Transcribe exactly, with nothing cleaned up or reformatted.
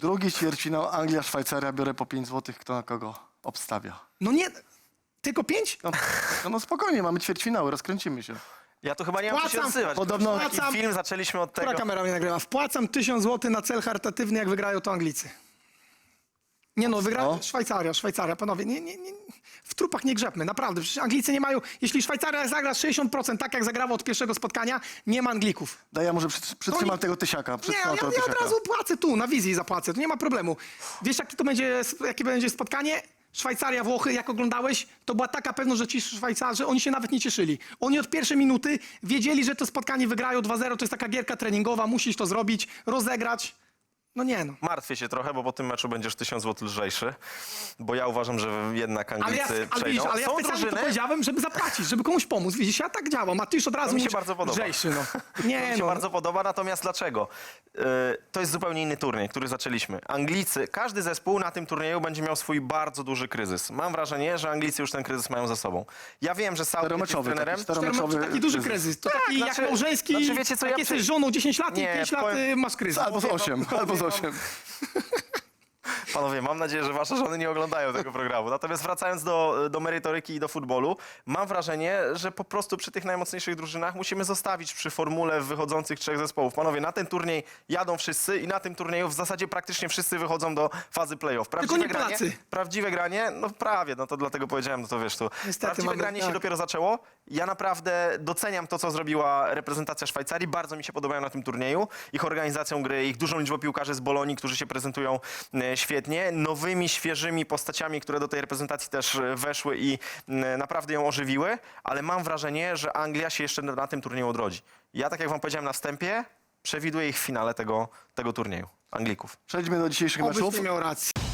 Drugi ćwierćfinał, Anglia, Szwajcaria, biorę po pięć złotych, kto na kogo obstawia. No nie, tylko pięć? No, no, no spokojnie, mamy ćwierćfinały, rozkręcimy się. Ja tu chyba nie mam co się Wpłacam. odzywać. Podobno- Taki Wpłacam. film, zaczęliśmy od tego. Która kamera mnie nagrywa? Wpłacam tysiąc złotych na cel charytatywny, jak wygrają to Anglicy. Nie no, wygra O. Szwajcaria, Szwajcaria, panowie, nie, nie, nie, w trupach nie grzebmy, naprawdę. Przecież Anglicy nie mają, jeśli Szwajcaria zagra sześćdziesiąt procent tak, jak zagrała od pierwszego spotkania, nie ma Anglików. Daj, ja może przyt- przytrzymam nie- tego tysiaka. Nie, Przytrzymam ja, tego ja od tysiaka. razu płacę tu, na wizji zapłacę, to nie ma problemu. Wiesz, jakie to będzie, jakie będzie spotkanie? Szwajcaria, Włochy, jak oglądałeś, to była taka pewność, że ci Szwajcarzy, oni się nawet nie cieszyli. Oni od pierwszej minuty wiedzieli, że to spotkanie wygrają dwa zero, to jest taka gierka treningowa, musisz to zrobić, rozegrać. No nie no. Martwię się trochę, bo po tym meczu będziesz tysiąc złotych lżejszy, bo ja uważam, że jednak Ale Anglicy ja, ale, przejdą. widzisz, ale ja Są specjalnie to drużyny, powiedziałem, żeby zapłacić, żeby komuś pomóc. Widzisz, ja tak działam, a ty już od razu mi się mówisz, bardzo podoba. lżejszy, no. to Nie mi się no. bardzo podoba, natomiast dlaczego? Yy, to jest zupełnie inny turniej, który zaczęliśmy. Anglicy, każdy zespół na tym turnieju będzie miał swój bardzo duży kryzys. Mam wrażenie, że Anglicy już ten kryzys mają za sobą. Ja wiem, że Southgate jest Czteromeczowy, trenerem. taki czteromeczowy Taki duży kryzys. kryzys. To Tak, taki znaczy- jak małżeński, znaczy wiecie co, jak ja jesteś przy- żoną dziesięć lat Nie, i pięć lat powiem- y, masz kryzys. Albo z osiem, albo z osiem. Panowie, mam nadzieję, że wasze żony nie oglądają tego programu. Natomiast wracając do, do merytoryki i do futbolu, mam wrażenie, że po prostu przy tych najmocniejszych drużynach musimy zostawić przy formule wychodzących trzech zespołów. Panowie, na ten turniej jadą wszyscy i na tym turnieju w zasadzie praktycznie wszyscy wychodzą do fazy playoff. Prawdziwe nie granie, Polacy. prawdziwe granie, no prawie, no to dlatego powiedziałem, no to wiesz, to Niestety prawdziwe mamy- granie się tak. dopiero zaczęło. Ja naprawdę doceniam to, co zrobiła reprezentacja Szwajcarii. Bardzo mi się podobają na tym turnieju. Ich organizacją gry, ich dużą liczbą piłkarzy z Bolonii, którzy się prezentują e, świetnie. Nowymi, świeżymi postaciami, które do tej reprezentacji też e, weszły i e, naprawdę ją ożywiły. Ale mam wrażenie, że Anglia się jeszcze na, na tym turnieju odrodzi. Ja, tak jak wam powiedziałem na wstępie, przewiduję ich w finale tego, tego turnieju. Anglików. Przejdźmy do dzisiejszych Obyś meczów. nie miał racji.